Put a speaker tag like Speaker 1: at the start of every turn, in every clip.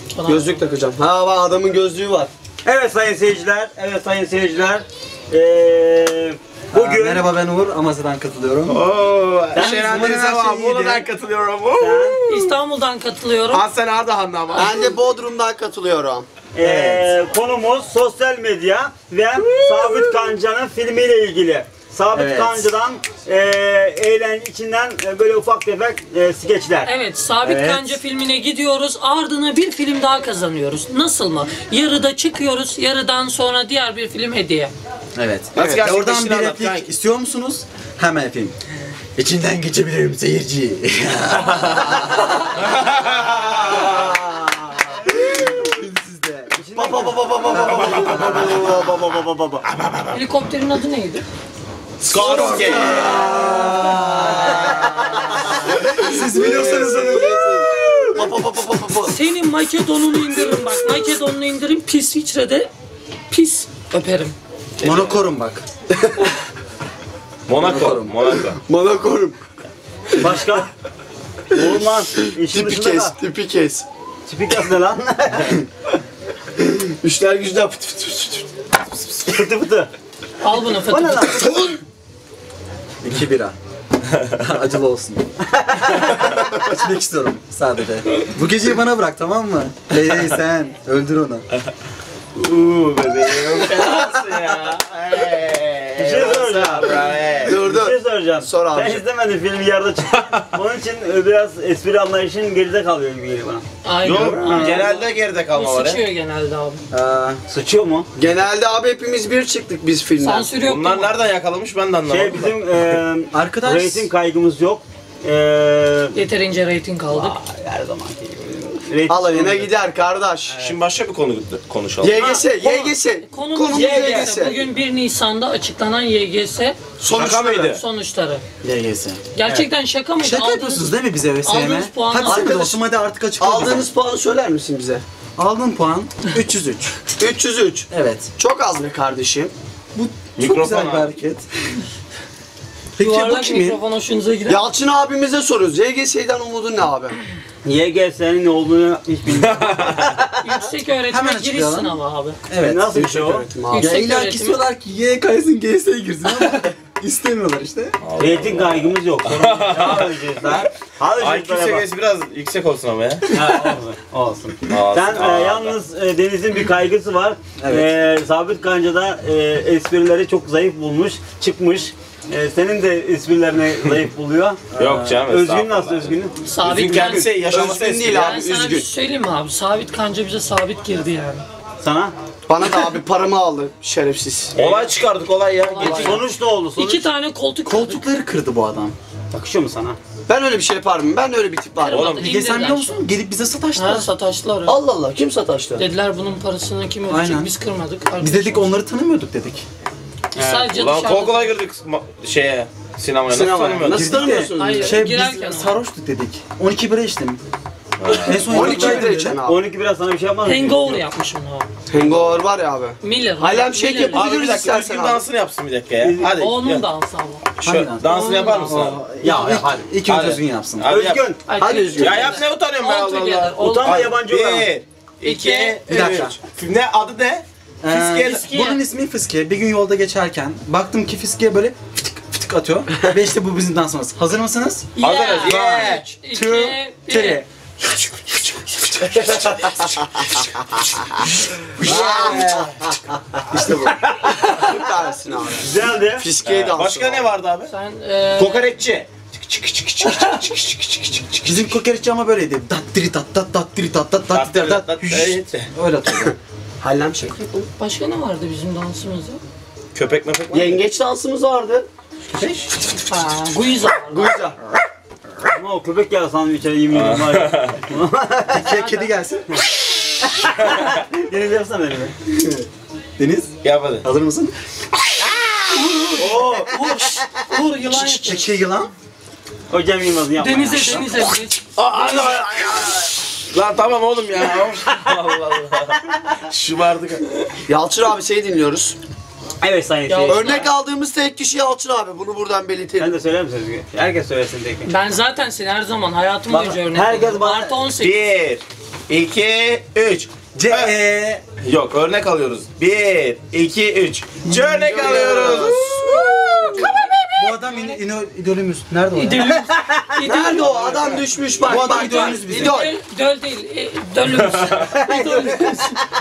Speaker 1: Gözlük takacağım. Ha bak adamın gözlüğü var. Evet sayın seyirciler. Evet sayın seyirciler. Bugün...
Speaker 2: Merhaba ben Uğur. Amasya'dan katılıyorum.
Speaker 1: Şener Denize
Speaker 3: Bolu'dan katılıyorum.
Speaker 4: İstanbul'dan katılıyorum.
Speaker 3: Hasan Ardahan'dan ama.
Speaker 1: Ben de Bodrum'dan katılıyorum.
Speaker 5: Konumuz sosyal medya ve Sabit Kanca'nın filmiyle ilgili. Sabit
Speaker 1: Evet.
Speaker 5: Kanca'dan içinden böyle ufak tefek skeçler.
Speaker 4: Evet, Sabit
Speaker 5: Evet.
Speaker 4: Kanca filmine gidiyoruz. Ardına bir film daha kazanıyoruz. Nasıl mı? Yarıda çıkıyoruz. Yarıdan sonra diğer bir film hediye.
Speaker 2: Evet.
Speaker 3: Nasıl gerçekleştiğini
Speaker 2: Oradan bir
Speaker 3: anlat
Speaker 2: replik
Speaker 3: kanki.
Speaker 2: istiyor musunuz? Hemen yapayım. İçinden geçebilirim seyirci. Sizde.
Speaker 4: Helikopterin adı neydi?
Speaker 3: Skorsky.
Speaker 2: Siz biliyorsanız
Speaker 4: Senin Makedon'unu indirin bak. Makedon'unu indirin. Pis İsviçre'de pis öperim.
Speaker 2: Monokorum bak.
Speaker 3: Monaco.
Speaker 1: Monakorum.
Speaker 5: Başka? Oğlum lan. İşin
Speaker 1: Tipi
Speaker 5: dışında
Speaker 1: kes,
Speaker 5: da.
Speaker 1: tipi kes.
Speaker 5: Tipik az ne lan?
Speaker 1: Üçler güçler fıt fıt fıt fıt.
Speaker 5: Fıtı fıtı.
Speaker 4: Al bunu
Speaker 5: O ne
Speaker 4: Fatih.
Speaker 5: lan?
Speaker 2: 2 bira. Acılı olsun. İçmek istiyorum sadece. Bu geceyi bana bırak tamam mı? Hey sen öldür onu.
Speaker 3: Bebeğim fenasın ya.
Speaker 5: Bir şey soracağım.
Speaker 1: Dur
Speaker 5: Bir
Speaker 1: dur.
Speaker 5: şey soracağım.
Speaker 1: Sor abi.
Speaker 5: Sen izlemedin filmi yarıda çıktı. Onun için biraz espri anlayışın geride kalıyor gibi geliyor bana.
Speaker 4: Aynen.
Speaker 3: Yok,
Speaker 4: Aynen.
Speaker 3: genelde geride kalma
Speaker 4: Bu
Speaker 3: var
Speaker 4: sıçıyor
Speaker 3: ya.
Speaker 4: genelde abi.
Speaker 5: Sıçıyor mu?
Speaker 1: Genelde abi hepimiz bir çıktık biz filmden.
Speaker 4: Sansür yok
Speaker 3: Bunlar
Speaker 4: değil mi?
Speaker 3: nereden yakalamış ben de anlamadım.
Speaker 5: Şey bizim
Speaker 2: Arkadaş.
Speaker 5: rating kaygımız yok.
Speaker 4: Yeterince reyting aldık.
Speaker 5: Her zamanki gibi. Rating
Speaker 1: Alayına gider kardeş.
Speaker 3: Şimdi başka bir konu konuşalım.
Speaker 1: YGS, YGS.
Speaker 4: Konumuz YGS. Bugün 1 Nisan'da açıklanan YGS
Speaker 3: Şaka mıydı?
Speaker 4: sonuçları.
Speaker 2: YGS.
Speaker 4: Gerçekten şaka mıydı?
Speaker 2: Şaka yapıyorsunuz değil mi bize VSM?
Speaker 4: aldığınız puanı
Speaker 2: Hadi sen de
Speaker 1: Arkadaş,
Speaker 2: dostum hadi artık açıkla bize.
Speaker 1: Aldığınız puanı söyler misin bize?
Speaker 2: Aldığın puan 303.
Speaker 1: 303.
Speaker 2: Evet.
Speaker 1: Çok az be kardeşim.
Speaker 2: Bu çok
Speaker 3: Mikrofon
Speaker 2: güzel bir
Speaker 3: abi.
Speaker 2: hareket. Peki bu
Speaker 4: Yuvarlak
Speaker 2: kimin?
Speaker 4: mikrofon hoşunuza gider.
Speaker 1: Yalçın abimize soruyoruz. YGS'den umudun ne abi?
Speaker 5: YGS'nin ne olduğunu hiç bilmiyorum.
Speaker 4: Yüksek öğretime
Speaker 2: Hemen
Speaker 4: giriş
Speaker 2: açıklayalım.
Speaker 4: sınavı abi.
Speaker 2: Evet.
Speaker 5: Nasıl bir şey o?
Speaker 1: Öğretim abi.
Speaker 2: Ya
Speaker 4: Yüksek
Speaker 2: illa ki
Speaker 4: öğretimi.
Speaker 2: istiyorlar ki Y kaysın GS'ye girsin ama istemiyorlar işte.
Speaker 5: Rating kaygımız yok. Devam edeceğiz daha. Hadi
Speaker 3: IQ
Speaker 5: çocuklara bak.
Speaker 3: seviyesi biraz yüksek olsun ama ya.
Speaker 5: Ha, olsun.
Speaker 3: Olsun.
Speaker 5: Sen yalnız Deniz'in bir kaygısı var.
Speaker 2: Evet.
Speaker 5: Sabit Kanca'da esprileri çok zayıf bulmuş, çıkmış. Senin de esprilerini zayıf buluyor.
Speaker 3: Yok canım.
Speaker 5: Özgün
Speaker 3: estağfurullah.
Speaker 5: nasıl Özgün'ün?
Speaker 4: Sabit
Speaker 3: Özgün
Speaker 4: Kanca.
Speaker 3: kendisi yaşaması
Speaker 1: Özgün değil
Speaker 3: eski.
Speaker 1: abi.
Speaker 4: Ben sana bir
Speaker 1: üzgün.
Speaker 4: şey söyleyeyim mi abi? Sabit Kanca bize sabit girdi yani.
Speaker 5: Sana?
Speaker 1: Bana da abi paramı aldı şerefsiz.
Speaker 3: Olay çıkardık olay ya. Geçin.
Speaker 5: Sonuç ne oldu? Sonuç
Speaker 4: 2 tane koltuk
Speaker 2: Koltukları kırdı bu adam.
Speaker 5: yakışıyor mu sana?
Speaker 1: Ben öyle bir şey yapar mıyım? Ben öyle bir tip var.
Speaker 3: Oğlum,
Speaker 2: Bir de sen biliyor musun? Gelip bize sataştılar.
Speaker 4: Ha sataştılar.
Speaker 1: Allah Allah kim sataştı?
Speaker 4: Dediler bunun parasını kim ödeyecek?
Speaker 2: Aynen.
Speaker 4: Biz kırmadık.
Speaker 2: Biz dedik onları tanımıyorduk dedik.
Speaker 4: Biz sadece
Speaker 3: Ulan
Speaker 4: dışarıda...
Speaker 3: kol kola girdik şeye. Sinemaya nasıl
Speaker 1: Sinemaya.
Speaker 3: tanımıyordun?
Speaker 1: Nasıl
Speaker 2: Girdik de-
Speaker 1: tanımıyorsunuz?
Speaker 4: Hayır.
Speaker 2: Şey
Speaker 4: Girerken
Speaker 2: biz
Speaker 4: ama.
Speaker 2: sarhoştuk dedik. 12 bira içtim. En son
Speaker 1: 12
Speaker 2: yıllar
Speaker 1: lira içen abi.
Speaker 5: 12 biraz sana bir şey yapmaz mı?
Speaker 4: Hangover yapmışım abi.
Speaker 1: Hangover var ya abi.
Speaker 4: Miller.
Speaker 1: Halem shake
Speaker 4: Miller.
Speaker 1: yapabilir
Speaker 3: Abi bir dakika
Speaker 1: istersen
Speaker 3: Özgün
Speaker 1: abi.
Speaker 3: dansını yapsın bir dakika ya. Hadi.
Speaker 4: O onun
Speaker 3: ya.
Speaker 4: dansı ama.
Speaker 3: Şu dansını yapar mısın abi?
Speaker 2: Ya hadi. İlk önce
Speaker 3: Hadi.
Speaker 2: Özgün yapsın.
Speaker 3: Hadi yap.
Speaker 5: Özgün.
Speaker 4: Ay,
Speaker 1: Hadi Özgün.
Speaker 3: Ya yap ne utanıyorum ben
Speaker 4: All
Speaker 3: Allah
Speaker 4: together,
Speaker 3: Allah.
Speaker 4: all
Speaker 5: Utanma
Speaker 4: together.
Speaker 5: yabancı olan.
Speaker 3: 1, 2,
Speaker 2: Bir dakika.
Speaker 3: 3. Ne adı ne? Fiske.
Speaker 4: Fiske.
Speaker 2: Bunun ismi Fiske. Bir gün yolda geçerken baktım ki Fiske böyle fıtık fıtık atıyor. Ve işte bu bizim dansımız. Hazır mısınız?
Speaker 3: Hazırız. Yeah.
Speaker 4: 3,
Speaker 2: 2,
Speaker 4: 2, 1.
Speaker 2: 3.
Speaker 1: İşte bu. Süpersin abi.
Speaker 5: Güzeldi.
Speaker 1: Fiskeyi dansı.
Speaker 3: Başka ne vardı abi?
Speaker 4: Sen
Speaker 3: Kokoreççi.
Speaker 2: Bizim kokoreççi ama böyleydi. Dat diri tat dat dat diri tat dat dat diri dat. Öyle atıyordu.
Speaker 1: Hallem shake.
Speaker 4: başka ne vardı bizim dansımızda?
Speaker 3: Köpek mepek var mı?
Speaker 1: Yengeç dansımız vardı.
Speaker 4: Ha, Guiza.
Speaker 1: Guiza.
Speaker 5: Ama o köpek ya sandım içeri yemin ediyorum var ya.
Speaker 2: Kedi gelsin.
Speaker 5: Deniz yapsana beni.
Speaker 2: Deniz
Speaker 3: Yap hadi.
Speaker 2: hazır mısın?
Speaker 4: Uğur yılan yapıyor.
Speaker 2: Çekil yılan.
Speaker 5: O Cem Yılmaz'ın yapma.
Speaker 4: Denize
Speaker 5: ya.
Speaker 4: denize.
Speaker 3: Lan tamam oğlum ya. Allah Allah. Şımardık.
Speaker 1: Yalçın abi seni dinliyoruz.
Speaker 5: Evet sayın
Speaker 4: Ya,
Speaker 5: seyirciler.
Speaker 1: Örnek aldığımız tek kişi Yalçın abi. Bunu buradan belirtelim.
Speaker 5: Sen de söyler misin Özgür? Herkes söylesin tek.
Speaker 4: Ben zaten seni her zaman hayatım
Speaker 5: Bak,
Speaker 4: boyunca örnek
Speaker 5: herkes
Speaker 4: veriyorum.
Speaker 5: bana-
Speaker 4: Artı 18.
Speaker 3: 1, 2, 3.
Speaker 2: C.
Speaker 3: Yok, örnek alıyoruz. 1, 2, 3. Örnek alıyoruz.
Speaker 2: Bu adam idolümüz. Nerede o? ya?
Speaker 1: Nerede o? Adam düşmüş bak.
Speaker 2: Bu adam
Speaker 1: bak,
Speaker 2: idolümüz
Speaker 1: bak.
Speaker 2: bizim.
Speaker 1: İdol.
Speaker 4: Döl değil. Dölümüz. İdolümüz.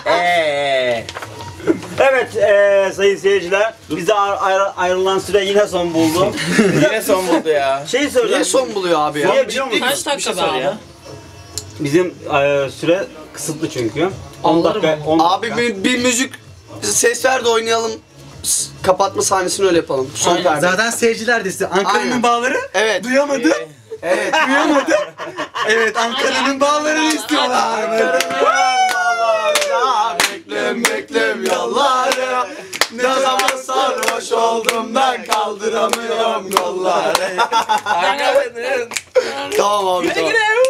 Speaker 5: Evet sayın seyirciler. Bize ayrılan süre yine son buldu.
Speaker 3: Yine son buldu ya.
Speaker 5: Şey söyleyeceğim.
Speaker 1: Niye son buluyor abi ya?
Speaker 5: Niye biliyor musun?
Speaker 4: Kaç dakika be abi?
Speaker 5: Bizim süre kısıtlı çünkü. 10
Speaker 4: Alırım
Speaker 5: dakika.
Speaker 4: onu.
Speaker 5: 10
Speaker 1: Abi
Speaker 5: dakika.
Speaker 1: bir müzik ses ver de oynayalım. Kapatma sahnesini öyle yapalım. Son
Speaker 4: Aynen.
Speaker 1: perde.
Speaker 2: Zaten seyirciler de istiyor. Ankara'nın
Speaker 1: Aynen.
Speaker 2: bağları
Speaker 1: Evet.
Speaker 2: duyamadı.
Speaker 1: Evet.
Speaker 2: Duyamadı. Evet, Ankara'nın bağlarını istiyorlar.
Speaker 1: Beklem yolları. Ne zaman sarhoş oldum ben kaldıramıyorum kolları.
Speaker 3: Ankara'nın
Speaker 1: Tamam abi tamam.